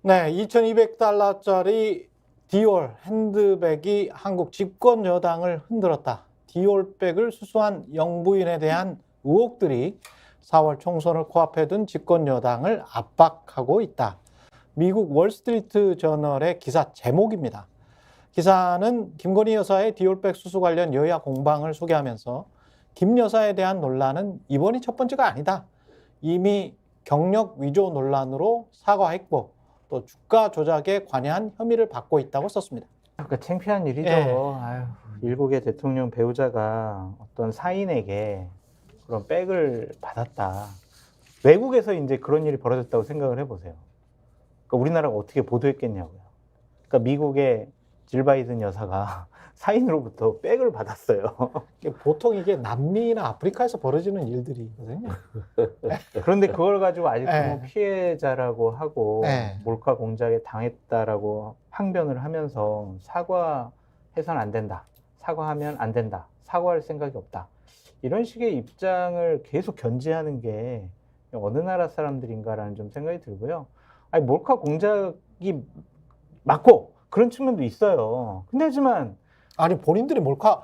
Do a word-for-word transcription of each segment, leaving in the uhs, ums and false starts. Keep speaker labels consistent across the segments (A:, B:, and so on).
A: 네, 이천이백 달러짜리 디올 핸드백이 한국 집권 여당을 흔들었다. 디올백을 수수한 영부인에 대한 의혹들이 사월 총선을 코앞에 둔 집권 여당을 압박하고 있다. 미국 월스트리트 저널의 기사 제목입니다. 기사는 김건희 여사의 디올백 수수 관련 여야 공방을 소개하면서 김 여사에 대한 논란은 이번이 첫 번째가 아니다. 이미 경력 위조 논란으로 사과했고 또 주가 조작에 관여한 혐의를 받고 있다고 썼습니다.
B: 그러니까 창피한 일이죠.
A: 네.
B: 아유, 일국의 대통령 배우자가 어떤 사인에게 그런 백을 받았다. 외국에서 이제 그런 일이 벌어졌다고 생각을 해보세요. 그러니까 우리나라가 어떻게 보도했겠냐고요. 그러니까 미국의 질 바이든 여사가 사인으로부터 백을 받았어요.
A: 보통 이게 남미나 아프리카에서 벌어지는 일들이거든요.
B: 그런데 그걸 가지고 아직도
A: 네.
B: 뭐 피해자라고 하고
A: 네.
B: 몰카 공작에 당했다라고 항변을 하면서 사과해서는 안 된다. 사과하면 안 된다. 사과할 생각이 없다. 이런 식의 입장을 계속 견지하는 게 어느 나라 사람들인가라는 좀 생각이 들고요. 아니, 몰카 공작이 맞고 그런 측면도 있어요. 근데 하지만
A: 아니 본인들이 몰카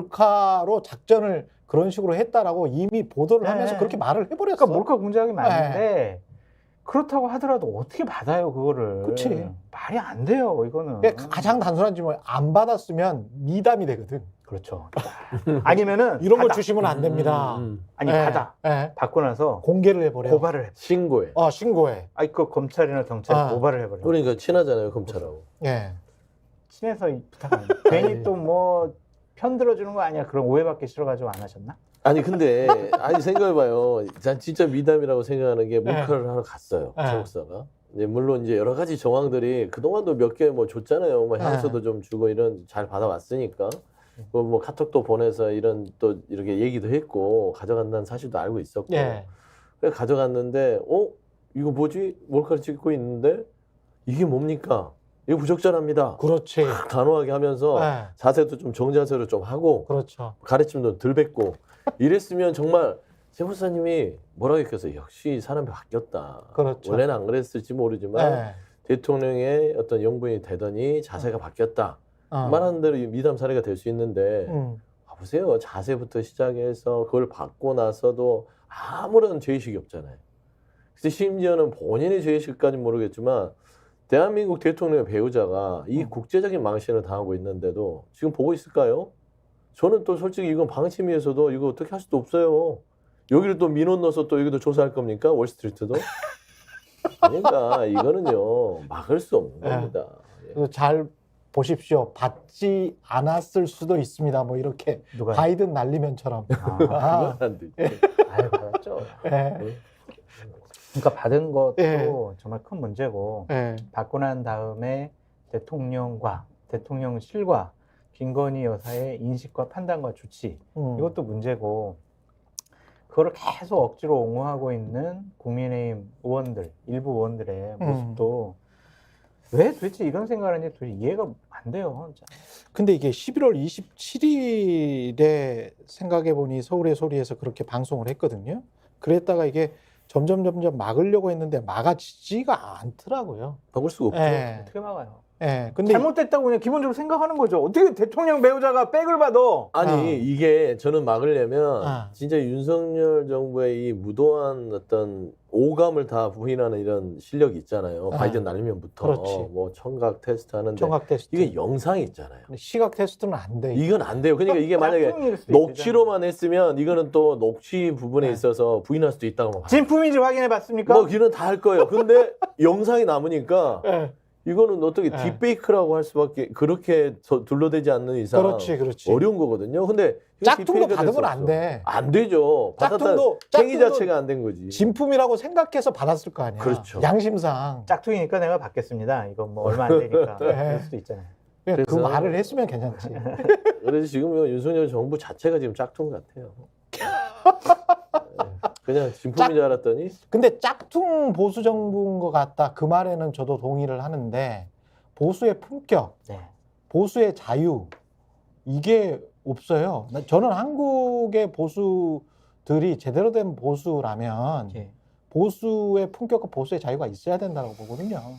A: 몰카로 작전을 그런 식으로 했다라고 이미 보도를
B: 네.
A: 하면서 그렇게 말을 해버렸어.
B: 그러니까 몰카 공작이 맞는데 그렇다고 하더라도 어떻게 받아요 그거를?
A: 그치.
B: 말이 안 돼요 이거는.
A: 그러니까 가장 단순한 질문, 안 받았으면 미담이 되거든.
B: 그렇죠. 아니면은
A: 이런 걸
B: 받아.
A: 주시면 안 됩니다.
C: 음, 음.
B: 아니
A: 예,
B: 받아.
A: 예.
B: 받고 나서
A: 공개를 해버려.
B: 고발을 해.
C: 신고해.
A: 어 신고해.
B: 아이 그 검찰이나 경찰에
A: 아.
B: 고발을 해버려.
C: 그러니까 친하잖아요, 검찰하고.
A: 예.
B: 친해서 부탁. 괜히 또 뭐 편들어주는 거 아니야? 그런 오해받기 싫어가지고 안 하셨나?
C: 아니 근데 아니 생각해봐요. 난 진짜 미담이라고 생각하는 게 몰카를 하러 갔어요.
A: 네.
C: 최목사가. 이제 물론 이제 여러 가지 정황들이 그동안도 몇 개 뭐 줬잖아요. 뭐 향수도
A: 네.
C: 좀 주고 이런 잘 받아왔으니까. 뭐, 뭐 카톡도 보내서 이런 또 이렇게 얘기도 했고 가져간다는 사실도 알고 있었고.
A: 예.
C: 그래 가져갔는데 어 이거 뭐지? 몰카를 찍고 있는데 이게 뭡니까? 이거 부적절합니다.
A: 그렇지.
C: 단호하게 하면서
A: 예.
C: 자세도 좀 정자세로 좀 하고
A: 그렇죠.
C: 가르침도 덜 뱉고 이랬으면 정말 최 목사님이 뭐라고 했겠어요. 역시 사람이 바뀌었다.
A: 그렇죠.
C: 원래는 안 그랬을지 모르지만
A: 예.
C: 대통령의 어떤 영부인이 되더니 자세가 바뀌었다.
A: 어.
C: 말하는 대로 미담 사례가 될 수 있는데
A: 음.
C: 봐보세요. 자세부터 시작해서 그걸 받고 나서도 아무런 죄의식이 없잖아요. 그래서 심지어는 본인의 죄의식까지는 모르겠지만 대한민국 대통령의 배우자가 이
A: 음.
C: 국제적인 망신을 당하고 있는데도 지금 보고 있을까요? 저는 또 솔직히 이건 방침위에서도 이거 어떻게 할 수도 없어요. 여기를 또 민원 넣어서 또 여기도 조사할 겁니까? 월스트리트도? 그러니까 이거는요 막을 수 없는
A: 네.
C: 겁니다. 예.
A: 그래서 잘 보십시오. 받지 않았을 수도 있습니다. 뭐 이렇게
B: 누가?
A: 바이든 날리면처럼.
B: 아,
A: 아,
C: 그건 안 되지.
B: 아유 받았죠.
A: 예.
B: 그러니까 받은 것도
A: 예.
B: 정말 큰 문제고
A: 예.
B: 받고 난 다음에 대통령과 대통령실과 김건희 여사의 인식과 판단과 조치
A: 음.
B: 이것도 문제고 그거를 계속 억지로 옹호하고 있는 국민의힘 의원들 일부 의원들의
A: 음.
B: 모습도 왜 도대체 이런 생각을 하는지 도대체 이해가 안 돼요. 진짜.
A: 근데 이게 십일월 이십칠일에 생각해보니 서울의 소리에서 그렇게 방송을 했거든요. 그랬다가 이게 점점 점점 막으려고 했는데 막아지지가 않더라고요.
C: 바꿀 수가 없죠.
A: 예.
B: 어떻게 막아요?
A: 예. 근데
B: 잘못됐다고 그냥 기본적으로 생각하는 거죠. 어떻게 대통령 배우자가 백을 받아?
C: 아니
A: 어.
C: 이게 저는 막으려면
A: 어.
C: 진짜 윤석열 정부의 이 무도한 어떤 오감을 다 부인하는 이런 실력이 있잖아요.
A: 어.
C: 바이든 날리면부터
A: 그렇지.
C: 뭐 청각 테스트 하는데
A: 청각 테스트.
C: 이게 영상이 있잖아요.
A: 근데 시각 테스트는 안 돼.
C: 이건 안 돼요. 그러니까 이게 만약에
B: 짝퉁일 수도
C: 녹취로만 했으면 이거는 또 녹취 부분에
A: 네.
C: 있어서 부인할 수도 있다고 봐요.
B: 진품인지 확인해 봤습니까?
C: 뭐 기는 다 할 거예요. 근데 영상이 남으니까
A: 예.
C: 이거는 어떻게
A: 네.
C: 딥페이크라고 할 수밖에 그렇게 저- 둘러대지 않는 이상
A: 그렇지, 그렇지.
C: 어려운 거거든요. 근데 이거
A: 짝퉁도
C: 딥페이크가 될
A: 받으면
C: 수
A: 안
C: 없어.
A: 돼.
C: 안 되죠. 받았다
A: 짝퉁도
C: 행위
A: 짝퉁도
C: 자체가 안 된 거지.
A: 진품이라고 생각해서 받았을 거 아니야.
C: 그렇죠.
A: 양심상.
B: 짝퉁이니까 내가 받겠습니다. 이건 뭐 얼마 안 되니까
A: 네.
B: 그럴 수도 있잖아요.
A: 그
C: 그래서-
A: 말을 했으면 괜찮지.
C: 그래서 지금 이 윤석열 정부 자체가 지금 짝퉁 같아요. 네. 그냥 진품인 줄 알았더니
A: 근데 짝퉁 보수 정부인 것 같다. 그 말에는 저도 동의를 하는데 보수의 품격,
B: 네.
A: 보수의 자유 이게 없어요. 저는 한국의 보수들이 제대로 된 보수라면
B: 예.
A: 보수의 품격과 보수의 자유가 있어야 된다고 보거든요.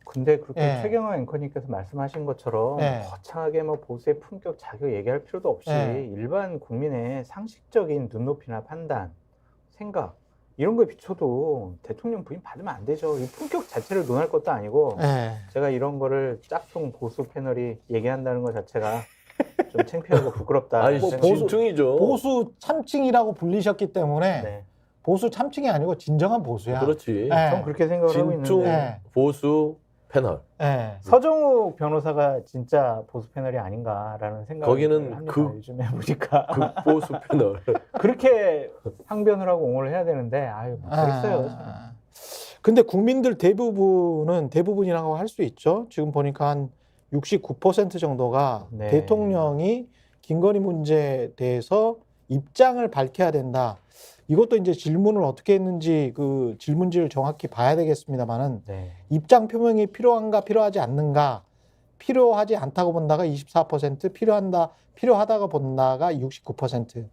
B: 근데 그렇게
A: 예.
B: 최경화 앵커님께서 말씀하신 것처럼
A: 예.
B: 거창하게 뭐 보수의 품격, 자격 얘기할 필요도 없이
A: 예.
B: 일반 국민의 상식적인 눈높이나 판단, 생각 이런 거에 비춰도 대통령 부인 받으면 안 되죠. 이 품격 자체를 논할 것도 아니고
A: 예.
B: 제가 이런 거를 짝퉁 보수 패널이 얘기한다는 것 자체가 좀 창피하고 부끄럽다.
C: 아니
A: 뭐
B: 생각이
A: 보수-
C: 진퉁이죠.
A: 보수 참칭이라고 불리셨기 때문에
B: 네.
A: 보수 참칭이 아니고 진정한 보수야.
C: 그렇지.
A: 예.
B: 전 그렇게 생각을 하고
C: 진퉁
B: 있는데
A: 네.
C: 보수 패널.
A: 예.
B: 서정욱 변호사가 진짜 보수 패널이 아닌가라는 생각을
C: 거기는
B: 합니다.
C: 극-
B: 요즘에 보니까
C: 극보수 패널.
B: 그렇게 항변을 하고 옹호를 해야 되는데 아유 모르겠어요.
A: 아, 근데 국민들 대부분은 대부분이라고 할 수 있죠. 지금 보니까 한 육십구 퍼센트 정도가
B: 네.
A: 대통령이 김건희 문제에 대해서 입장을 밝혀야 된다. 이것도 이제 질문을 어떻게 했는지 그 질문지를 정확히 봐야 되겠습니다만은
B: 네.
A: 입장 표명이 필요한가 필요하지 않는가, 필요하지 않다고 본다가 이십사 퍼센트, 필요한다 필요하다가 본다가 육십구 퍼센트.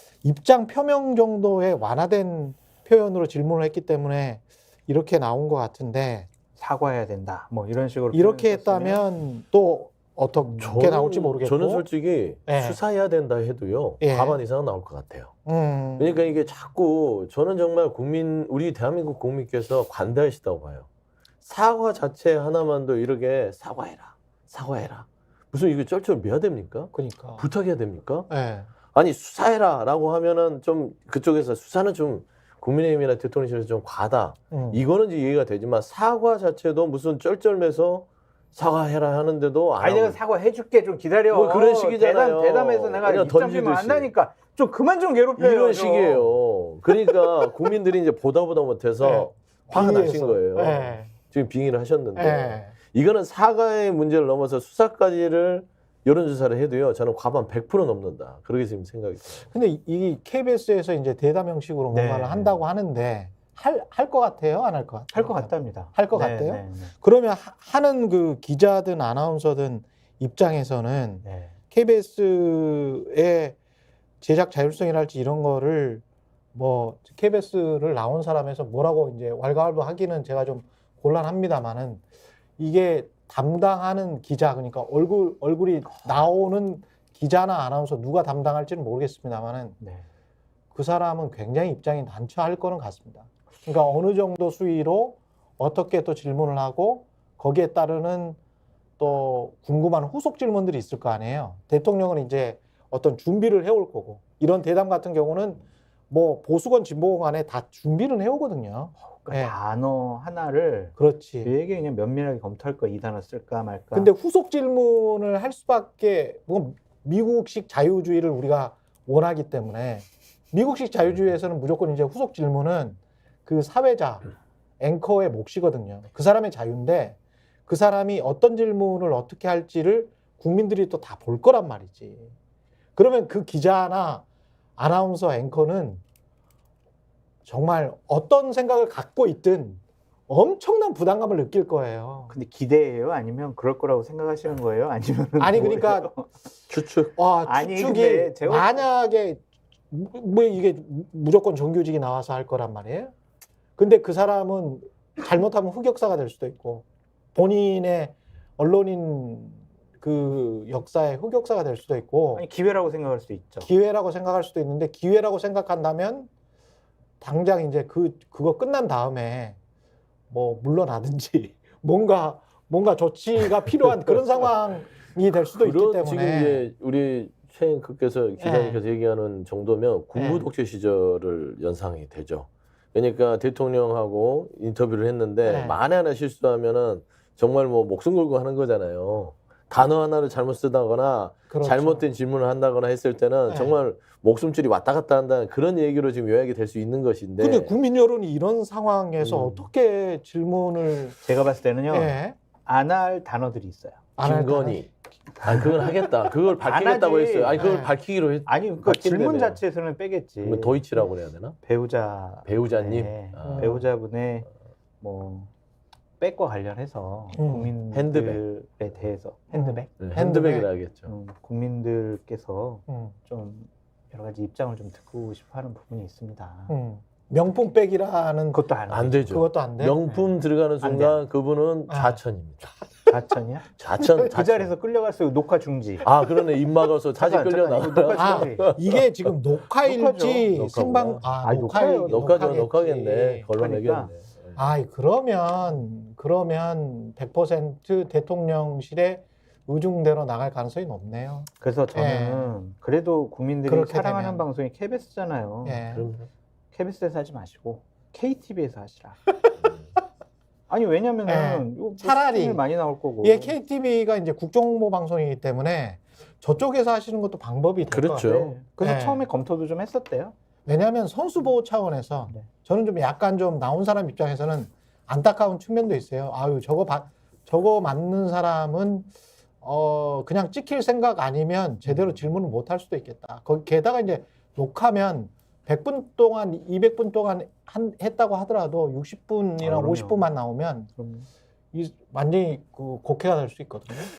A: 입장 표명 정도의 완화된 표현으로 질문을 했기 때문에 이렇게 나온 것 같은데,
B: 사과해야 된다. 뭐 이런 식으로
A: 이렇게
B: 표현을 했으면
A: 했다면 또 어떻게 나올지 모르겠고.
C: 저는 솔직히
A: 예.
C: 수사해야 된다 해도요.
A: 예.
C: 과반 이상은 나올 것 같아요.
A: 음,
C: 그러니까 이게 자꾸 저는 정말 국민 우리 대한민국 국민께서 관대하시다고 봐요. 사과 자체 하나만도 이렇게 사과해라, 사과해라. 무슨 이거 쩔쩔매야 됩니까?
A: 그러니까.
C: 부탁해야 됩니까?
A: 예.
C: 아니 수사해라라고 하면은 좀 그쪽에서 수사는 좀 국민의힘이나 대통령실에서 좀 과다.
A: 음.
C: 이거는 이제 이해가 되지만 사과 자체도 무슨 쩔쩔매서 사과해라 하는데도 안
B: 아니 내가
C: 하고
B: 사과해줄게 좀 기다려.
C: 뭐 그런 식이잖아요.
B: 대담, 대담해서 내가
C: 그냥
B: 입장 표명
C: 던지듯이.
B: 한다니까 좀 그만 좀 괴롭혀요.
C: 이런
B: 좀.
C: 식이에요. 그러니까 국민들이 이제 보다 보다 못해서
A: 네.
C: 화가 나신
A: 빙의해서.
C: 거예요.
A: 예.
C: 지금 빙의를 하셨는데
A: 예.
C: 이거는 사과의 문제를 넘어서 수사까지를 여론조사를 해도요. 저는 과반 백 퍼센트 넘는다. 그렇게 지금 생각이 들어요.
A: 근데 이- 이 케이비에스에서 이제 대담 형식으로
B: 네.
A: 뭔가를 한다고 하는데 할 할 것 같아요, 안 할 것 같아요?
B: 할 것 같답니다.
A: 할 것
B: 네,
A: 같아요?
B: 네, 네.
A: 그러면 하- 하는 그 기자든 아나운서든 입장에서는
B: 네.
A: 케이비에스의 제작 자율성이랄지 이런 거를 뭐 케이비에스를 나온 사람에서 뭐라고 이제 왈가왈부하기는 제가 좀 곤란합니다만은 이게 담당하는 기자, 그러니까 얼굴 얼굴이 나오는 기자나 아나운서 누가 담당할지는 모르겠습니다만은
B: 네.
A: 그 사람은 굉장히 입장이 난처할 거는 같습니다. 그러니까 어느 정도 수위로 어떻게 또 질문을 하고 거기에 따르는 또 궁금한 후속 질문들이 있을 거 아니에요. 대통령은 이제 어떤 준비를 해올 거고, 이런 대담 같은 경우는 뭐 보수건 진보건 간에 다 준비는 해오거든요.
B: 그러니까
A: 네.
B: 단어 하나를
A: 그렇지.
B: 되게 그냥 면밀하게 검토할 거 이 단어 쓸까 말까.
A: 근데 후속 질문을 할 수밖에, 뭐 미국식 자유주의를 우리가 원하기 때문에 미국식 자유주의에서는 무조건 이제 후속 질문은 그 사회자, 앵커의 몫이거든요. 그 사람의 자유인데 그 사람이 어떤 질문을 어떻게 할지를 국민들이 또 다 볼 거란 말이지. 그러면 그 기자나 아나운서 앵커는 정말 어떤 생각을 갖고 있든 엄청난 부담감을 느낄 거예요.
B: 근데 기대예요? 아니면 그럴 거라고 생각하시는 거예요? 아니면
A: 아니 그러니까
C: 추측.
A: 와,
B: 아니,
A: 추측이
B: 근데 제가-
A: 만약에 뭐 이게 무조건 정규직이 나와서 할 거란 말이에요. 근데 그 사람은 잘못하면 흑역사가 될 수도 있고 본인의 언론인 그 역사의 흑역사가 될 수도 있고
B: 아니 기회라고 생각할 수도 있죠.
A: 기회라고 생각할 수도 있는데, 기회라고 생각한다면 당장 이제 그 그거 끝난 다음에 뭐 물러나든지 뭔가 뭔가 조치가 필요한 그런 상황이 될 수도 있기
C: 그런
A: 때문에.
C: 지금 이제 우리 최앵커께서 기자님께서 얘기하는 정도면 군부
A: 네.
C: 독재 시절을 연상이 되죠. 그러니까 대통령하고 인터뷰를 했는데
A: 네.
C: 만에 하나 실수하면은 정말 뭐 목숨 걸고 하는 거잖아요. 단어 하나를 잘못 쓰다거나
A: 그렇죠.
C: 잘못된 질문을 한다거나 했을 때는
A: 네.
C: 정말 목숨줄이 왔다 갔다 한다는 그런 얘기로 지금 요약이 될 수 있는 것인데.
A: 근데 국민 여론이 이런 상황에서
C: 음.
A: 어떻게 질문을
B: 제가 봤을 때는요.
A: 예.
B: 안 할 단어들이 있어요.
A: 안 할까요?
C: 김건희. 아니 그건 하겠다. 그걸 밝히겠다고
B: 하지.
C: 했어요. 아니 그걸
A: 네.
C: 밝히기로 했.
B: 아니 그러니까
C: 밝힌다며요.
B: 질문 자체에서는 빼겠지.
C: 그러면 도이치라고 그래야 되나?
B: 배우자
C: 배우자님.
B: 네.
C: 아.
B: 배우자분의 뭐 백과 관련해서
A: 음.
B: 국민들에
C: 핸드백.
B: 대해서 핸드백
C: 네,
A: 핸드백.
C: 핸드백이라 하겠죠.
B: 음, 국민들께서
A: 음,
B: 좀 여러 가지 입장을 좀 듣고 싶어하는 부분이 있습니다.
A: 음. 명품백이라는
B: 그것도 안,
C: 안 되죠.
A: 그것도 안 돼.
C: 명품 들어가는
B: 안
C: 순간 그분은
A: 아.
C: 좌천입니다.
B: 자천이야?
C: 좌천.
B: 그
C: 좌천.
B: 자리에서 끌려갔어요. 녹화 중지.
C: 아 그러네 입 막아서 다시
B: 잠깐,
C: 끌려
B: 잠깐,
C: 나가.
B: 이거
A: 아,
B: 녹화 중지.
A: 이게 지금 녹화일지
C: 녹화죠.
A: 생방 아,
B: 아니,
A: 녹화
B: 녹화예요.
C: 녹화죠.
A: 녹화겠지.
C: 녹화겠네. 걸러내겠네.
B: 그러니까.
A: 아, 그러면 그러면 백 퍼센트 대통령실에 의중대로 나갈 가능성이 높네요.
B: 그래서 저는 그래도 국민들이
A: 그렇게
B: 사랑하는
A: 되면.
B: 방송이 케이비에스잖아요.
A: 예.
C: 그럼
B: 케이비에스에서 하지 마시고 케이티비에서 하시라. 아니 왜냐면은
A: 예.
B: 이거 뭐
A: 차라리
B: 수준이 많이 나올 거고.
A: 이게 케이티비가 이제 국정홍보 방송이기 때문에 저쪽에서 하시는 것도 방법이 될 것
C: 그렇죠.
A: 같아요.
B: 네. 그래서
A: 네.
B: 처음에 검토도 좀 했었대요.
A: 왜냐하면 선수 보호 차원에서
B: 네.
A: 저는 좀 약간 좀 나온 사람 입장에서는 안타까운 측면도 있어요. 아유 저거 바, 저거 맞는 사람은 어 그냥 찍힐 생각 아니면 제대로 질문을 못 할 수도 있겠다. 거기 게다가 이제 녹화면 백 분 동안 이백 분 동안 한, 했다고 하더라도 육십 분이나
B: 아, 그럼요.
A: 오십 분만 나오면
B: 그럼
A: 이 완전히 그 곡해가 될 수 있거든요.